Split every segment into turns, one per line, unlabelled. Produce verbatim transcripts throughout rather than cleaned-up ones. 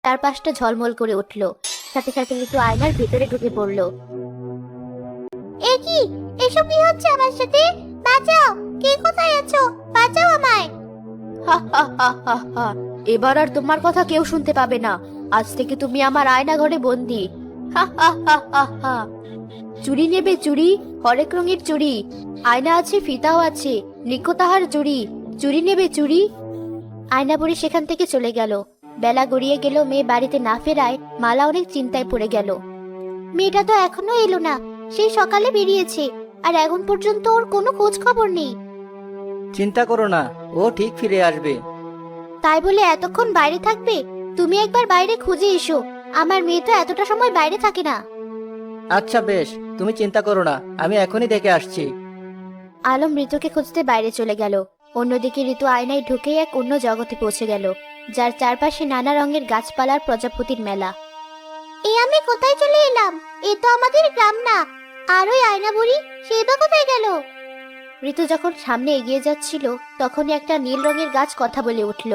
চারপাশটা ঝলমল করে উঠল। সাথে সাথে ঋতু আয়নার ভিতরে ঢুকে পড়ল। এ কি? এসব কি হচ্ছে আমার সাথে? বাঁচাও! কে কোথায় আছো? বাঁচাও আমায়! হা হা হা হা হা। এবার আর তোমার কথা কেউ শুনতে পাবে না। আজ থেকে তুমি আমার আয়না ঘরে বন্দি। হা হা হা হা হা। চুড়ি নেবে চুড়ি? হরেক রঙের চুড়ি। আয়না আছে, ফিতাও আছে, লিখো তাহার চুড়ি। চুড়ি নেবে চুড়ি? আয়না বুড়ি সেখান থেকে চলে গেল। বেলা গড়িয়ে গেল। মেয়ে বাড়িতে না ফেরায় মালা অনেক চিন্তায় পড়ে গেল। মেয়েটা তো এখনো এলো না। সেই সকালে বেরিয়েছে, আর এখন পর্যন্ত ওর কোনো খোঁজ খবর নেই।
চিন্তা করো না, ও ঠিক ফিরে আসবে।
তাই বলে এতক্ষণ বাইরে থাকবে? তুমি একবার বাইরে খুঁজে এসো। আমার মেয়ে তো এতটা সময় বাইরে থাকে না।
আচ্ছা বেশ, তুমি চিন্তা করো না, আমি এখনই দেখে আসছি।
আলম ঋতুকে খুঁজতে বাইরে চলে গেল। অন্যদিকে ঋতু আয়নায় ঢুকেই এক অন্য জগতে পৌঁছে গেল, যার চারপাশে নানা রঙের গাছপালার প্রজাপতির মেলা। এ আমি কোথায় চলে এলাম? এ তো আমাদের গ্রাম না। আর ওই আয়না বুড়ি, সে বা কোথায় গেল? ঋতু যখন সামনে এগিয়ে যাচ্ছিল, তখনই একটা নীল রঙের গাছ কথা বলে উঠল।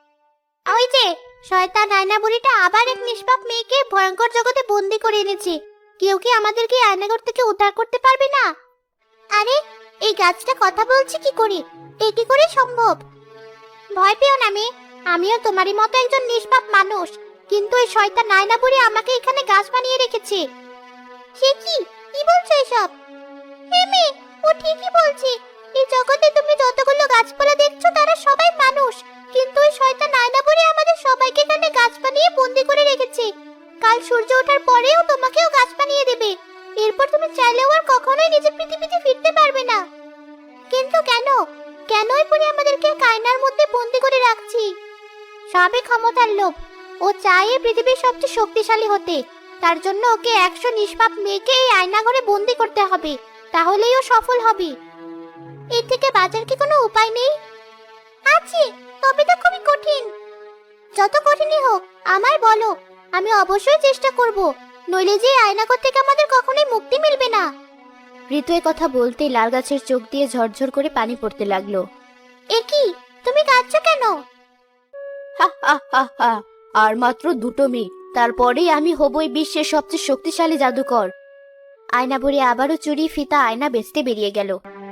ওই যে শয়তান আয়না বুড়িটা আবার এক নিষ্পাপ মেয়েকে ভয়ঙ্কর জগতে বন্দি করে এনেছে। কেউ কি আমাদেরকে আয়নাঘর থেকে উদ্ধার করতে পারবে না? আরে, এই গাছটা কথা বলছে কি করে? এ কি করে সম্ভব? ভয় পেও না মেয়ে, আমিও তোমারই মতো একজন নিষ্পাপ মানুষ। কিন্তু এই শয়তান আয়না বুড়ি আমাকে এখানে গাছ বানিয়ে রেখেছে। সে কি? কি বলছো এসব? হে মেয়ে, ও ঠিকই বলছে। এই জগতে তুমি যতগুলো গাছপালা দেখছো তারা সবাই মানুষ, কিন্তু ওই শয়তান আয়না বুড়ি আমাদের সবাইকে এখানে গাছ বানিয়ে বন্দি করে রেখেছে। কাল সূর্য ওঠার পরেও তোমাকেও গাছ বানিয়ে দেবে। এরপর তুমি চাইলেও আর কখনোই নিজের পৃথিবীতে ফিরতে পারবে না। কিন্তু কেন? কেনই বুড়ি আমাদেরকে আয়নার মধ্যে বন্দি করে রাখছি? সবই ক্ষমতার লোভ। ও চায় এই পৃথিবীর সবচেয়ে শক্তিশালী হতে। তার জন্য ওকে একশো নিষ্পাপ মেয়েকে এই আয়না ঘরে বন্দি করতে হবে, তাহলেই ও সফল হবে। এর থেকে বাঁচার কি কোনো উপায় নেই? আছে, তবে তো খুবই কঠিন। যত কঠিনই হোক আমায় বলো, আমি অবশ্যই চেষ্টা করব। নইলে যে আয়নাঘর থেকে আমাদের কখনোই মুক্তি মিলবে না। ঋতু এ কথা বলতেই লাল গাছের চোখ দিয়ে ঝরঝর করে পানি পড়তে লাগলো। এ কি? তুমি কাঁদছো কেন? হা হা হা হা। আর মাত্র দুটো মেয়ে, তারপরেই আমি হবই বিশ্বের সবচেয়ে শক্তিশালী জাদুকর। আয়না বুড়ি আবারও চুরি, ফিতা, আয়না বেচতে বেরিয়ে গেল।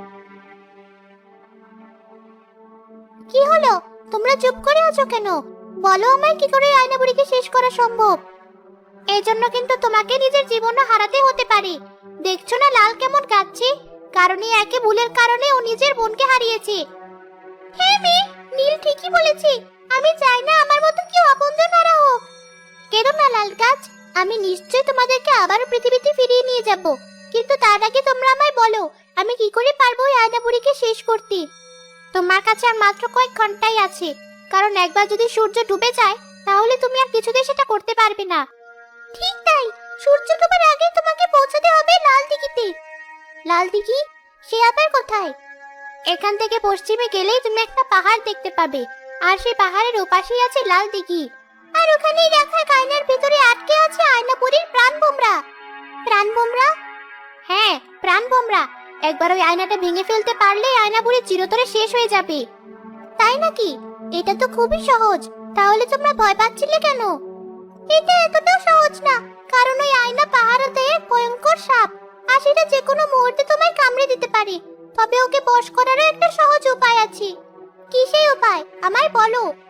কি হলো? তোমরা চুপ করে আছো কেন? বলো আমায়, কি করে আয়না বুড়িকে শেষ করা সম্ভব? এই জন্য কিন্তু তোমাকে নিজের জীবনও হারাতে হতে পারে। দেখছো না লাল কেমন কাঁদছে? কারণ এই একে ভুলের কারণে ও নিজের বোনকে হারিয়েছে। হ্যাঁ মেয়ে, নীল ঠিকই বলেছে। আমি চাই না আমার মতো কেউ আপনজন হারা হোক। কেন না লাল গাছ, আমি নিশ্চয় তোমাদেরকে আবার পৃথিবীতে ফিরিয়ে নিয়ে যাব। কিন্তু তার আগে তোমরা আমায় বলো, আমি কি করে পারবো এই আয়না বুড়িকে শেষ করতে? তোমার কাছে আর মাত্র কয়েক ঘন্টাই আছে, কারণ একবার যদি সূর্য ডুবে যায় তাহলে তুমি আর কিছুতেই সেটা করতে পারবে না। ঠিক তাই, সূর্য ডোবার আগে তোমাকে পৌঁছাতে হবে লাল দিঘিতে। লাল দিঘি? সে আবার কোথায়? এখান থেকে পশ্চিমে গেলেই তুমি একটা পাহাড় দেখতে পাবে, আর সেই পাহাড়ের ওপাশেই আছে লাল দিঘি। আর ওখানেই রাখা আয়নার ভিতরে আটকে আছে আয়নাপুরীর প্রাণ ভোমরা। প্রাণ ভোমরা? হ্যাঁ, প্রাণ ভোমরা। একবার ওই আয়নাটা ভেঙে ফেলতে পারলে আয়নাপুরী চিরতরে শেষ হয়ে যাবে। তাই নাকি? এটা তো খুবই সহজ। তাহলে তোমরা ভয় পাচ্ছিলে কেন? এটা এতটা সহজ না, কারণ ওই আয়না পাহারাতে এক ভয়ঙ্কর সাপ, আর সেটা যে কোনো মুহূর্তে তোমায় কামড়ে দিতে পারে। তবে ওকে বশ করারও একটা সহজ উপায় আছে। কি সেই উপায়? আমায় বলো।